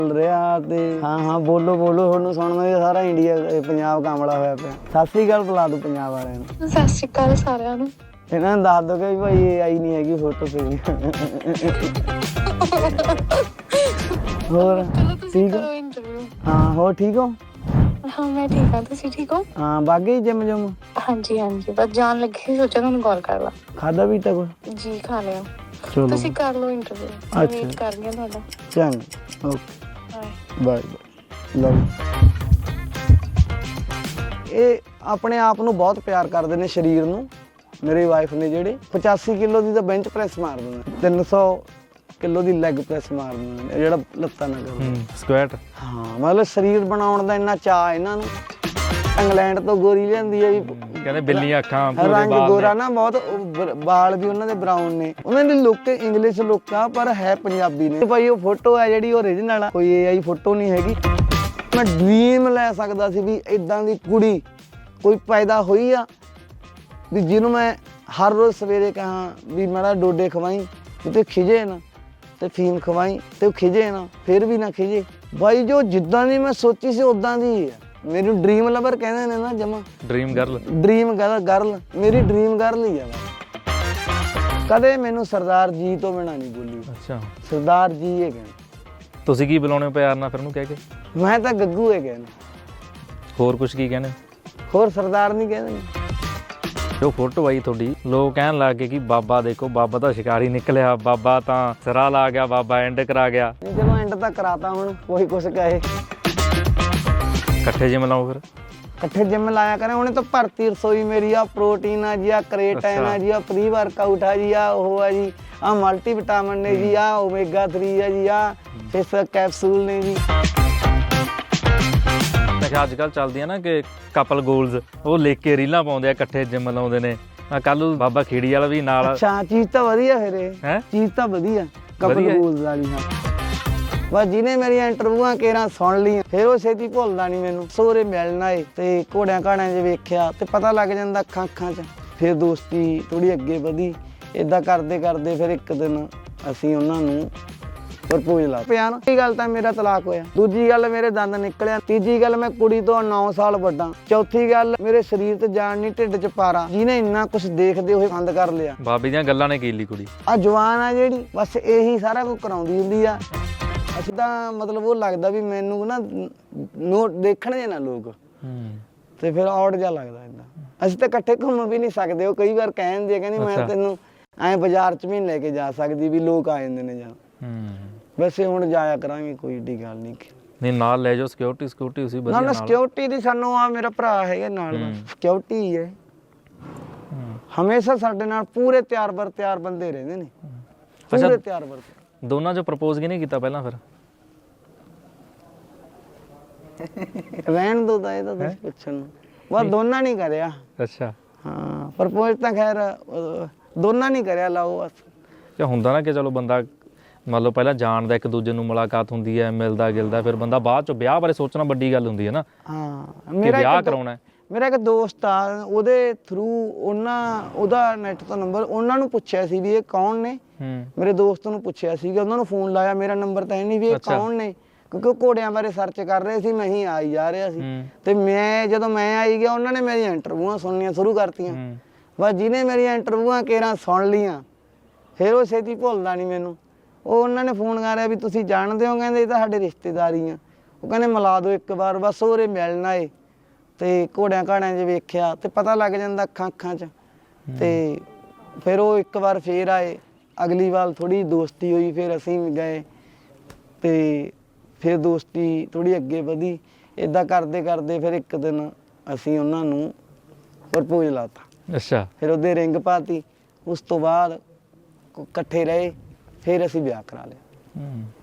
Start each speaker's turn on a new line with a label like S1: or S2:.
S1: ਚੱਲ ਰਿਹਾ ਤੇ ਹਾਂ ਬੋਲੋ ਤੁਹਾਨੂੰ ਸੁਣਨਾ ਸਾਰਾ ਇੰਡੀਆ ਪੰਜਾਬ ਕਾਮਲਾ ਹੋਇਆ ਪਿਆ। ਸਤਿ ਸ੍ਰੀ ਅਕਾਲ ਬੁਲਾ ਦੋ ਪੰਜਾਬ ਵਾਲਿਆਂ ਨੂੰ।
S2: ਸਤਿ ਸ਼੍ਰੀ ਅਕਾਲ ਸਾਰਿਆਂ ਨੂੰ।
S1: ਇਹਨਾਂ ਨੂੰ ਦੱਸ ਦੋ ਕਿ ਭਾਈ ਇਹ ਆਈ ਨਹੀਂ ਹੈਗੀ ਫੋਟੋ ਤੇ। ਹੋਰ ਠੀਕ ਹੋ? ਹਾਂ ਹੋਰ ਠੀਕ ਹੋ?
S2: ਹਾਂ ਮੈਂ ਠੀਕ ਹਾਂ, ਤੁਸੀਂ ਠੀਕ ਹੋ?
S1: ਹਾਂ ਬਾਗੀ ਜਿਮ ਜੁਮ?
S2: ਹਾਂਜੀ ਬਸ ਜਾਣ ਲੱਗੇ, ਸੋਚਿਆ ਤੁਹਾਨੂੰ ਕਾਲ ਕਰ ਲਾ।
S1: ਖਾਦਾ ਵੀ ਤਾਂ ਕੁਛ?
S2: ਜੀ ਖਾ ਲਿਆ।
S1: ਚਲੋ
S2: ਤੁਸੀਂ ਕਰ ਲਓ ਇੰਟਰਵਿਊ, ਮੈਂ ਵੇਟ ਕਰ ਰਹੀ ਹਾਂ ਤੁਹਾਡਾ।
S1: ਚੰਗਾ ਓਕੇ ਬਾਏ ਲਵ। ਇਹ ਆਪਣੇ ਆਪ ਨੂੰ ਬਹੁਤ ਪਿਆਰ ਕਰਦੇ ਨੇ, ਸਰੀਰ ਨੂੰ। ਮੇਰੀ ਵਾਈਫ ਨੇ ਜਿਹੜੇ 85 ਕਿਲੋ ਦੀ ਤਾਂ ਬੈਂਚ ਪ੍ਰੈਸ ਮਾਰ ਦਿੰਦੇ, 300 ਕਿਲੋ ਦੀ ਲੈਗ ਪ੍ਰੈਸ ਮਾਰ ਦਿੰਦੇ, ਜਿਹੜਾ ਲੱਤਾਂ ਨਾਲ ਕਰਦੇ
S3: ਸਕੁਐਟ।
S1: ਹਾਂ ਮਤਲਬ ਸਰੀਰ ਬਣਾਉਣ ਦਾ ਇੰਨਾ ਚਾਅ ਇਹਨਾਂ ਨੂੰ। ਇੰਗਲੈਂਡ ਤੋਂ ਗੋਰੀ ਲਿਆਂਦੀ ਹੈ ਵੀ,
S3: ਕਹਿੰਦੇ ਬਿੱਲੀਆਂ ਅੱਖਾਂ,
S1: ਰੰਗ ਗੋਰਾ ਨਾ ਬਹੁਤ, ਵਾਲ ਵੀ ਉਹਨਾਂ ਦੇ ਬਰਾਊਨ ਨੇ। ਉਹਨਾਂ ਦੀ ਲੁੱਕ ਇੰਗਲਿਸ਼ ਲੁੱਕ ਆ ਪਰ ਹੈ ਪੰਜਾਬੀ ਨੇ। ਭਾਈ ਉਹ ਫੋਟੋ ਹੈ ਜਿਹੜੀ ਓਰੀਜਨਲ ਆ, ਕੋਈ AI ਫੋਟੋ ਨਹੀਂ ਹੈਗੀ। ਮੈਂ ਡ੍ਰੀਮ ਲੈ ਸਕਦਾ ਸੀ ਵੀ ਇਦਾਂ ਦੀ ਕੁੜੀ ਕੋਈ ਪੈਦਾ ਹੋਈ ਆ ਵੀ ਜਿਹਨੂੰ ਮੈਂ ਹਰ ਰੋਜ਼ ਸਵੇਰੇ ਕਹਾਂ ਵੀ ਮਾੜਾ ਡੋਡੇ ਖਵਾਈ ਤੇ ਖਿਜੇ ਨਾ, ਤੇ ਫੀਮ ਖਵਾਈ ਤੇ ਉਹ ਖਿਜੇ ਨਾ, ਫਿਰ ਵੀ ਨਾ ਖਿਜੇ। ਬਾਈ ਜੋ ਜਿੱਦਾਂ ਦੀ ਮੈਂ ਸੋਚੀ ਸੀ ਉਦਾਂ ਦੀ ਹੈ। ਮੈਨੂੰ ਡ੍ਰੀਮ ਲਵਰ ਕਹਿੰਦੇ ਨੇ ਨਾ, ਜਮਾ
S3: ਡ੍ਰੀਮ ਗਰਲ।
S1: ਡ੍ਰੀਮ ਗਰਲ ਮੇਰੀ ਡ੍ਰੀਮ ਗਰਲ ਹੀ ਆ। ਕਦੇ ਮੈਨੂੰ ਸਰਦਾਰ ਜੀ ਤੋਂ ਬਿਨਾਂ ਨਹੀਂ ਬੋਲੀ।
S3: ਅੱਛਾ
S1: ਸਰਦਾਰ ਜੀ ਇਹ ਕਹਿੰਦੇ।
S3: ਤੁਸੀਂ ਕੀ ਬੁਲਾਉਣੇ ਹੋ ਪਿਆਰ ਨਾਲ ਫਿਰ ਉਹਨੂੰ ਕਹਿ ਕੇ?
S1: ਮੈਂ ਤਾਂ ਗੱਗੂ ਇਹ ਕਹਿੰਦਾ।
S3: ਹੋਰ ਕੁਝ ਕੀ ਕਹਿੰਦੇ?
S1: ਹੋਰ ਸਰਦਾਰ ਨਹੀਂ ਕਹਿੰਦੇ।
S3: ਜੋ ਫੋਟੋ ਆਈ ਤੁਹਾਡੀ, ਲੋਕ ਕਹਿਣ ਲੱਗ ਗਏ ਕਿ ਬਾਬਾ ਦੇਖੋ, ਬਾਬਾ ਤਾਂ ਸ਼ਿਕਾਰੀ ਨਿਕਲਿਆ, ਬਾਬਾ ਤਾਂ ਸਿਰਾ ਲਾ ਗਿਆ, ਬਾਬਾ ਐਂਡ ਕਰਾ ਗਿਆ।
S1: ਚਲੋ ਐਂਡ ਤਾਂ ਕਰਾਤਾ, ਹੁਣ ਕੋਈ ਕੁਛ ਕਹੇ।
S3: ਇਕੱਠੇ ਜਿਮ ਲਾਓ ਫਿਰ।
S1: ਇਕੱਠੇ ਜਿਮ ਲਾਇਆ ਕਰੇ। ਉਹਨੇ ਤਾਂ ਭਰਤੀ ਰਸੋਈ ਮੇਰੀ ਆ, ਪ੍ਰੋਟੀਨ ਆ ਜੀ, ਆ ਕ੍ਰੇਟਾਈਨ ਆ ਜੀ, ਆ ਪ੍ਰੀ ਵਰਕਆਊਟ ਆ ਜੀ, ਆ ਉਹ ਆ ਜੀ, ਆ ਮਲਟੀ ਵਿਟਾਮਿਨ ਨੇ ਜੀ, ਆ ਓਮੇਗਾ 3 ਆ ਜੀ, ਆ ਫਿਸ਼ ਕੈਪਸੂਲ ਨੇ ਜੀ।
S3: ਅੱਜ ਕੱਲ੍ਹ ਚੱਲਦੀਆਂ ਨਾ ਕਿ ਕਪਲ ਗੋਲਸ, ਉਹ ਲਿਖ ਕੇ ਰੀਲਾਂ ਪਾਉਂਦੇ ਆ, ਇਕੱਠੇ ਜਿਮ ਲਾਉਂਦੇ ਨੇ। ਕੱਲ ਨੂੰ ਬਾਬਾ ਖੇੜੀ ਵਾਲਾ ਵੀ ਨਾਲ।
S1: ਅੱਛਾ ਚੀਜ਼ ਤਾਂ ਵਧੀਆ ਫਿਰ ਇਹ
S3: ਹੈ,
S1: ਚੀਜ਼ ਤਾਂ ਵਧੀਆ ਕਪਲ ਗੋਲਸ ਵਾਲੀ। ਹਾਂ ਬਸ ਜਿਹਨੇ ਮੇਰੀਆਂ ਇੰਟਰਵਿਊਆਂ ਕੇਰਾਂ ਸੁਣ ਲਈਆਂ ਫਿਰ ਉਹ ਛੇਤੀ ਭੁੱਲਦਾ ਨਹੀਂ ਮੈਨੂੰ। ਸੋਰੇ ਮਿਲਣਾ ਏ ਤੇ ਘੋੜਿਆਂ ਘਾੜਿਆਂ 'ਚ ਵੇਖਿਆ ਤੇ ਪਤਾ ਲੱਗ ਜਾਂਦਾ ਅੱਖਾਂ 'ਚ। ਫਿਰ ਦੋਸਤੀ ਥੋੜੀ ਅੱਗੇ ਵਧੀ। ਏਦਾਂ ਕਰਦੇ ਕਰਦੇ ਫਿਰ ਇੱਕ ਦਿਨ ਅਸੀਂ ਉਹਨਾਂ ਨੂੰ ਪ੍ਰਪੋਜ਼ ਲਾ ਪਿਆ ਨਾ। ਪਹਿਲੀ ਗੱਲ ਤਾਂ ਮੇਰਾ ਤਲਾਕ ਹੋਇਆ, ਦੂਜੀ ਗੱਲ ਮੇਰੇ ਦੰਦ ਨਿਕਲਿਆ, ਤੀਜੀ ਗੱਲ ਮੈਂ ਕੁੜੀ ਤੋਂ 9 ਸਾਲ ਵੱਡਾ, ਚੌਥੀ ਗੱਲ ਮੇਰੇ ਸਰੀਰ ਤੇ ਜਾਨ ਨਹੀਂ, ਢਿੱਡ 'ਚ ਪਾਰਾ। ਜਿਹਨੇ ਇੰਨਾ ਕੁਛ ਦੇਖਦੇ ਹੋਏ ਬੰਦ ਕਰ ਲਿਆ।
S3: ਬਾਬੇ ਦੀਆਂ ਗੱਲਾਂ ਨੇ ਕੀ ਲਈ ਕੁੜੀ
S1: ਆ ਜਵਾਨ ਆ ਜਿਹੜੀ, ਬਸ ਇਹੀ ਸਾਰਾ ਕੁਝ ਕਰਾਉਂਦੀ ਹੁੰਦੀ ਆ। ਅਸੀਂ ਤਾਂ ਮਤਲਬ ਉਹ ਲੱਗਦਾ ਵੀ ਮੈਨੂੰ ਨਾ ਦੇਖਣ ਜੇ ਨਾ ਲੋਕ, ਤੇ ਫਿਰ ਔੜ ਜਿਹਾ ਲੱਗਦਾ ਏਦਾਂ। ਅਸੀਂ ਤਾਂ ਇਕੱਠੇ ਘੁੰਮ ਵੀ ਨਹੀਂ ਸਕਦੇ। ਉਹ ਕਈ ਵਾਰ ਕਹਿੰਦੇ ਕਹਿੰਦੀ ਮੈਂ ਤੈਨੂੰ ਐਂ ਬਾਜ਼ਾਰ 'ਚ ਵੀ ਨਹੀਂ ਲੈ ਕੇ ਜਾ ਸਕਦੀ ਵੀ ਲੋਕ ਆ ਜਾਂਦੇ ਨੇ। ਜਾਂ ਵੈਸੇ ਹੁਣ ਜਾਇਆ ਕਰਾਂਗੇ, ਕੋਈ ਏਡੀ ਗੱਲ ਨਹੀਂ।
S3: ਨਾਲ ਲੈ ਜਾਓ, ਸਿਕਿਉਰਿਟੀ ਉਸੇ ਵਧੀਆ
S1: ਨਾਲ। ਸਿਕਿਉਰਿਟੀ ਦੀ ਸਾਨੂੰ ਆ ਮੇਰਾ ਭਰਾ ਹੈਗਾ ਨਾਲ, ਸਿਕਿਉਰਿਟੀ ਹੀ ਹੈ। ਹਮੇਸ਼ਾ ਸਾਡੇ ਨਾਲ ਪੂਰੇ ਤਿਆਰ ਬਰ ਤਿਆਰ ਬੰਦੇ ਰਹਿੰਦੇ ਨੇ, ਪੂਰੇ ਤਿਆਰ ਬਰ।
S3: ਦੋਨਾਂ 'ਚ ਪ੍ਰਪੋਜ਼ ਕਿਹਨੇ ਕੀਤਾ ਪਹਿਲਾਂ ਫਿਰ?
S1: ਰਹਿਣ ਦੋ ਤਾਂ ਇਹ ਤਾਂ ਤੁਸੀਂ ਪੁੱਛਣ ਨੂੰ, ਬਸ ਦੋਨਾਂ ਨਹੀਂ ਕਰਿਆ।
S3: ਅੱਛਾ
S1: ਹਾਂ ਪ੍ਰਪੋਜ਼ ਤਾਂ ਖੈਰ ਦੋਨਾਂ ਨਹੀਂ ਕਰਿਆ। ਲਾਓ ਬਸ
S3: ਕਿ ਹੁੰਦਾ ਨਾ ਕਿ ਚਲੋ ਬੰਦਾ ਮੰਨ ਲਓ ਪਹਿਲਾਂ ਜਾਣਦਾ, ਇੱਕ ਦੂਜੇ ਨੂੰ ਮੁਲਾਕਾਤ ਹੁੰਦੀ ਹੈ, ਮਿਲਦਾ ਗਿਲਦਾ, ਫਿਰ ਬੰਦਾ ਬਾਅਦ 'ਚ ਵਿਆਹ ਬਾਰੇ ਸੋਚਣਾ ਵੱਡੀ ਗੱਲ ਹੁੰਦੀ ਹੈ ਨਾ।
S1: ਹਾਂ
S3: ਵਿਆਹ ਕਰਾਉਣਾ।
S1: ਮੇਰਾ ਇੱਕ ਦੋਸਤ ਆ, ਉਹਦੇ ਥਰੂ ਉਹਦਾ ਨੈਟ ਤੋਂ ਨੰਬਰ ਉਹਨਾਂ ਨੂੰ ਪੁੱਛਿਆ ਸੀ ਵੀ ਇਹ ਕੌਣ ਨੇ। ਮੇਰੇ ਦੋਸਤ ਨੂੰ ਪੁੱਛਿਆ ਸੀਗਾ, ਉਹਨਾਂ ਨੂੰ ਫੋਨ ਲਾਇਆ, ਮੇਰਾ ਨੰਬਰ ਤਾਂ ਹੈ ਨਹੀਂ ਵੀ ਇਹ ਕੌਣ ਨੇ, ਕਿਉਂਕਿ ਉਹ ਘੋੜਿਆਂ ਬਾਰੇ ਸਰਚ ਕਰ ਰਹੇ ਸੀ। ਮੈਂ ਹੀ ਆਈ ਜਾ ਰਿਹਾ ਸੀ ਤੇ ਜਦੋਂ ਮੈਂ ਆਈ ਗਿਆ ਉਹਨਾਂ ਨੇ ਮੇਰੀਆਂ ਇੰਟਰਵਿਊਆਂ ਸੁਣਨੀਆਂ ਸ਼ੁਰੂ ਕਰਤੀਆਂ। ਬਸ ਜਿਹਨੇ ਮੇਰੀਆਂ ਇੰਟਰਵਿਊਆਂ ਕੇਰਾਂ ਸੁਣ ਲਈਆਂ ਫਿਰ ਉਹ ਛੇਤੀ ਭੁੱਲਦਾ ਨਹੀਂ ਮੈਨੂੰ। ਉਹ ਉਹਨਾਂ ਨੇ ਫੋਨ ਕਰਿਆ ਵੀ ਤੁਸੀਂ ਜਾਣਦੇ ਹੋ? ਕਹਿੰਦੇ ਇਹ ਤਾਂ ਸਾਡੇ ਰਿਸ਼ਤੇਦਾਰੀ ਆ। ਉਹ ਕਹਿੰਦੇ ਮਿਲਾ ਦਿਓ ਇੱਕ ਵਾਰ, ਬਸ ਉਹਰੇ ਮਿਲਣਾ ਏ। ਤੇ ਘੋੜਿਆਂ ਘਾੜਿਆਂ 'ਚ ਵੇਖਿਆ ਤੇ ਪਤਾ ਲੱਗ ਜਾਂਦਾ ਅੱਖਾਂ 'ਚ। ਤੇ ਫਿਰ ਉਹ ਇੱਕ ਵਾਰ ਫੇਰ ਆਏ, ਅਗਲੀ ਵਾਰ ਥੋੜੀ ਦੋਸਤੀ ਹੋਈ, ਫਿਰ ਅਸੀਂ ਗਏ ਤੇ ਫਿਰ ਦੋਸਤੀ ਥੋੜੀ ਅੱਗੇ ਵਧੀ। ਏਦਾਂ ਕਰਦੇ ਕਰਦੇ ਫਿਰ ਇੱਕ ਦਿਨ ਅਸੀਂ ਉਹਨਾਂ ਨੂੰ ਪ੍ਰਪੋਜ਼ ਲਾਤਾ।
S3: ਅੱਛਾ
S1: ਫਿਰ ਉਹਦੇ ਰਿੰਗ ਪਾਤੀ। ਉਸ ਤੋਂ ਬਾਅਦ ਇਕੱਠੇ ਰਹੇ, ਫਿਰ ਅਸੀਂ ਵਿਆਹ ਕਰਾ ਲਿਆ।